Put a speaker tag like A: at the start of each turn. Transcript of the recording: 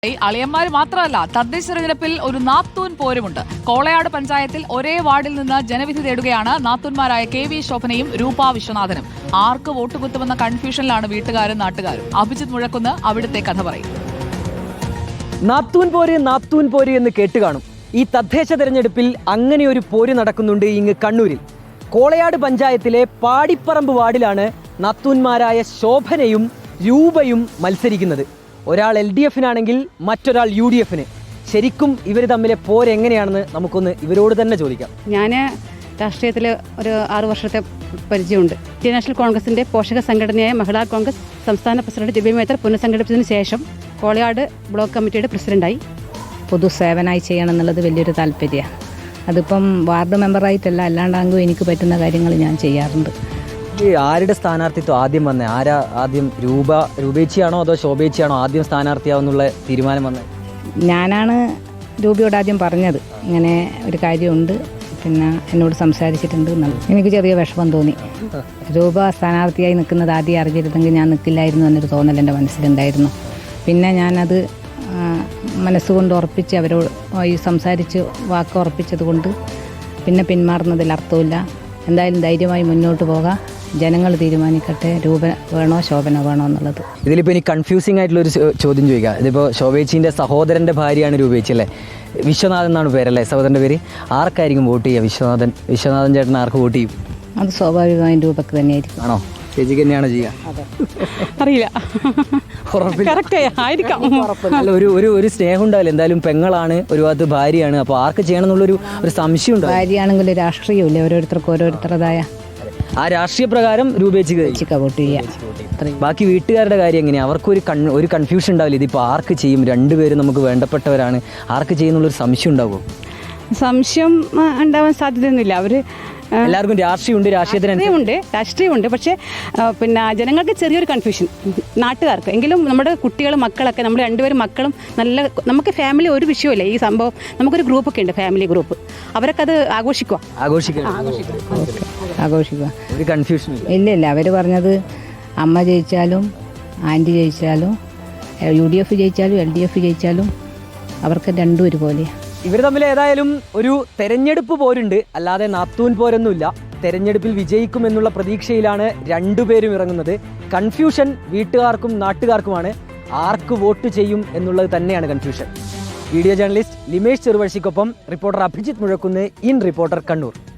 A: അളിയന്മാർ മാത്രമല്ല, തദ്ദേശ തെരഞ്ഞെടുപ്പിൽ ഒരു നാത്തൂൻ പോരുമുണ്ട്. കോളയാട് പഞ്ചായത്തിൽ ഒരേ വാർഡിൽ നിന്ന് ജനവിധി തേടുകയാണ് നാത്തൂന്മാരായ KV ശോഭനയും രൂപ വിശ്വനാഥനും. ആർക്ക് വോട്ട് കുത്തുമെന്ന കൺഫ്യൂഷനിലാണ് വീട്ടുകാരും നാട്ടുകാരും. അഭിജിത്ത് മുഴക്കുന്ന് അവിടുത്തെ കഥ പറയും.
B: നാത്തൂൻ പോര് എന്ന് കേട്ടുകാണും. ഈ തദ്ദേശ തെരഞ്ഞെടുപ്പിൽ അങ്ങനെ ഒരു പോര് നടക്കുന്നുണ്ട് ഇങ്ങ് കണ്ണൂരിൽ. കോളയാട് പഞ്ചായത്തിലെ പാടിപ്പറമ്പ് വാർഡിലാണ് നാത്തൂന്മാരായ ശോഭനയും രൂപയും മത്സരിക്കുന്നത്. ഒരാൾ LDFനാണെങ്കിൽ മറ്റൊരാൾ UDFന്. ശരിക്കും ഇവർ തമ്മിലെ പോരെങ്ങനെയാണെന്ന് നമുക്കൊന്ന് ഇവരോട് തന്നെ ചോദിക്കാം.
C: ഞാൻ രാഷ്ട്രീയത്തിൽ ഒരു 6 വർഷത്തെ പരിചയമുണ്ട്. ഇന്ത്യൻ നാഷണൽ കോൺഗ്രസിൻ്റെ പോഷക സംഘടനയായ മഹിളാ കോൺഗ്രസ് സംസ്ഥാന പ്രസിഡന്റ് ദിവ്യ മേത്തർ പുനഃസംഘടിപ്പിച്ചതിന് ശേഷം കോളയാട് ബ്ലോക്ക് കമ്മിറ്റിയുടെ പ്രസിഡന്റായി.
D: പൊതുസേവനമായി ചെയ്യണം എന്നുള്ളത് വലിയൊരു താല്പര്യമാണ്. അതിപ്പം വാർഡ് മെമ്പറായിട്ടല്ല, അല്ലാണ്ടാകുമ്പോൾ എനിക്ക് പറ്റുന്ന കാര്യങ്ങൾ ഞാൻ ചെയ്യാറുണ്ട്.
B: ആരുടെ സ്ഥാനാർത്ഥിത്വം ആദ്യം വന്നേ? ആരാ ആദ്യം? രൂപേച്ചിയാണോ അതോ ശോഭേച്ചിയാണോ ആദ്യം സ്ഥാനാർത്ഥിയാവുന്നുള്ള തീരുമാനം വന്നത്?
D: ഞാനാണ് രൂപയോട് ആദ്യം പറഞ്ഞത്, ഇങ്ങനെ ഒരു കാര്യമുണ്ട്, പിന്നെ എന്നോട് സംസാരിച്ചിട്ടുണ്ട് എന്നുള്ളത്. എനിക്ക് ചെറിയ വിഷമം തോന്നി. രൂപ സ്ഥാനാർത്ഥിയായി നിൽക്കുന്നത് ആദ്യം അറിഞ്ഞിരുന്നെങ്കിൽ ഞാൻ നിൽക്കില്ലായിരുന്നു എന്നൊരു തോന്നൽ എൻ്റെ മനസ്സിലുണ്ടായിരുന്നു. പിന്നെ ഞാനത് മനസ്സുകൊണ്ട് ഉറപ്പിച്ച് അവരോട് ഈ സംസാരിച്ച് വാക്ക് ഉറപ്പിച്ചത് കൊണ്ട് പിന്നെ പിന്മാറുന്നതിൽ അർത്ഥമില്ല. എന്തായാലും ധൈര്യമായി മുന്നോട്ട് പോകാം. ജനങ്ങൾ തീരുമാനിക്കട്ടെ രൂപ വേണോ ശോഭന വേണോ എന്നുള്ളത്.
B: ഇതിലിപ്പോൾ ഇനി കൺഫ്യൂസിംഗ് ആയിട്ടുള്ളൊരു ചോദ്യം ചോദിക്കാം. ഇതിപ്പോൾ ശോഭേച്ചിൻ്റെ സഹോദരൻ്റെ ഭാര്യയാണ് രൂപേച്ചി അല്ലേ? വിശ്വനാഥൻ എന്നാണ് പേരല്ലേ സഹോദരൻ്റെ പേര്? ആർക്കായിരിക്കും വോട്ട് ചെയ്യുക? വിശ്വനാഥൻ ചേട്ടൻ ആർക്ക് വോട്ട് ചെയ്യും?
D: അത് സ്വാഭാവികമായും രൂപക്ക് തന്നെയായിരിക്കും.
B: ആണോ? ചേച്ചിക്ക് തന്നെയാണ് ചെയ്യുക?
C: അറിയില്ല,
B: അല്ല, ഒരു സ്നേഹം ഉണ്ടാവില്ല. എന്തായാലും പെങ്ങളാണ്, ഒരു ഭാഗത്ത് ഭാര്യയാണ്. അപ്പോൾ ആർക്ക് ചെയ്യണം എന്നുള്ളൊരു സംശയം ഉണ്ടാവും.
D: ഭാര്യയാണെങ്കിൽ രാഷ്ട്രീയമില്ല, ഓരോരുത്തർക്കും ഓരോരുത്തരുടേതായ
B: ആ രാഷ്ട്രീയ പ്രകാരം രൂപേച്ചിക്ക്
D: വോട്ട് ചെയ്യുക.
B: ബാക്കി വീട്ടുകാരുടെ കാര്യം എങ്ങനെയാണ്? അവർക്ക് കൺഫ്യൂഷൻ ഉണ്ടാവില്ല. ഇതിപ്പോൾ ആർക്ക് ചെയ്യും? രണ്ടുപേരും നമുക്ക് വേണ്ടപ്പെട്ടവരാണ്, ആർക്ക് ചെയ്യുന്നുള്ളൊരു സംശയം ഉണ്ടാകുമോ?
C: സംശയം ഉണ്ടാവാൻ സാധ്യതയൊന്നുമില്ല. അവർ
B: എല്ലാവർക്കും
C: രാഷ്ട്രീയമുണ്ട്. പക്ഷേ പിന്നെ ജനങ്ങൾക്ക് ചെറിയൊരു കൺഫ്യൂഷൻ, നാട്ടുകാർക്ക്. എങ്കിലും നമ്മുടെ കുട്ടികൾ മക്കളൊക്കെ, നമ്മൾ രണ്ടുപേരും മക്കളും നല്ല, നമുക്ക് ഫാമിലി ഒരു വിഷയമില്ല ഈ സംഭവം. നമുക്കൊരു ഗ്രൂപ്പൊക്കെ ഉണ്ട്, ഫാമിലി ഗ്രൂപ്പ്. അവരൊക്കെ അത് ആഘോഷിക്കുക.
B: ഒരു കൺഫ്യൂഷൻ
D: ഇല്ല. അവർ പറഞ്ഞത് അമ്മ ജയിച്ചാലും ആൻറ്റി ജയിച്ചാലും UDF ജയിച്ചാലും LDF ജയിച്ചാലും അവർക്ക് രണ്ടും ഒരുപോലെയാണ്.
B: ഇവർ തമ്മിൽ ഏതായാലും ഒരു തെരഞ്ഞെടുപ്പ് പോരുണ്ട്, അല്ലാതെ നാത്തൂൻ പോരൊന്നുമില്ല. തെരഞ്ഞെടുപ്പിൽ വിജയിക്കുമെന്നുള്ള പ്രതീക്ഷയിലാണ് രണ്ടുപേരും ഇറങ്ങുന്നത്. കൺഫ്യൂഷൻ വീട്ടുകാർക്കും നാട്ടുകാർക്കുമാണ്. ആർക്ക് വോട്ട് ചെയ്യും എന്നുള്ളത് തന്നെയാണ് കൺഫ്യൂഷൻ. വീഡിയോ ജേർണലിസ്റ്റ് ലിമേഷ് ചെറുവഴിക്കൊപ്പം reporter Abhijith Muzhakkunnu, in reporter Kannur.